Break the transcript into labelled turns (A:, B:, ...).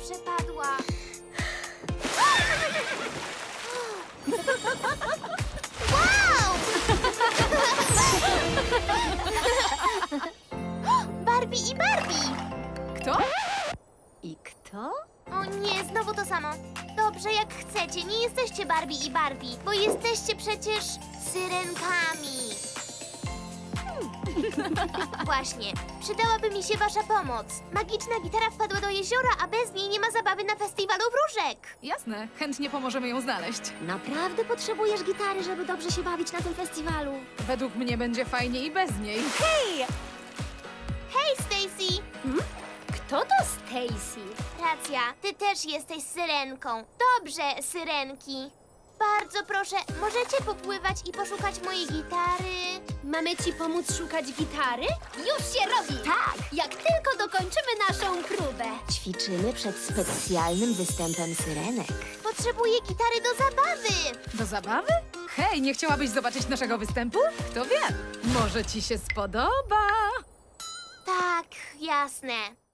A: przepadła. Wow! Barbie i Barbie!
B: Kto? I kto?
A: O nie, znowu to samo. Dobrze, jak chcecie, nie jesteście Barbie i Barbie, bo jesteście przecież syrenkami. Właśnie, przydałaby mi się wasza pomoc. Magiczna gitara wpadła do jeziora, a bez niej nie ma zabawy na festiwalu wróżek.
B: Jasne, chętnie pomożemy ją znaleźć.
C: Naprawdę potrzebujesz gitary, żeby dobrze się bawić na tym festiwalu?
B: Według mnie będzie fajnie i bez niej.
C: Hej!
A: Hej, Stacy!
C: Kto to Stacy?
A: Racja, ty też jesteś syrenką. Dobrze, syrenki. Bardzo proszę, możecie popływać i poszukać mojej gitary?
C: Mamy ci pomóc szukać gitary? Już się robi! Tak! Jak tylko dokończymy naszą próbę. Ćwiczymy przed specjalnym występem syrenek.
A: Potrzebuję gitary do zabawy.
B: Do zabawy? Hej, nie chciałabyś zobaczyć naszego występu? Kto wie? Może ci się spodoba.
A: Tak, jasne.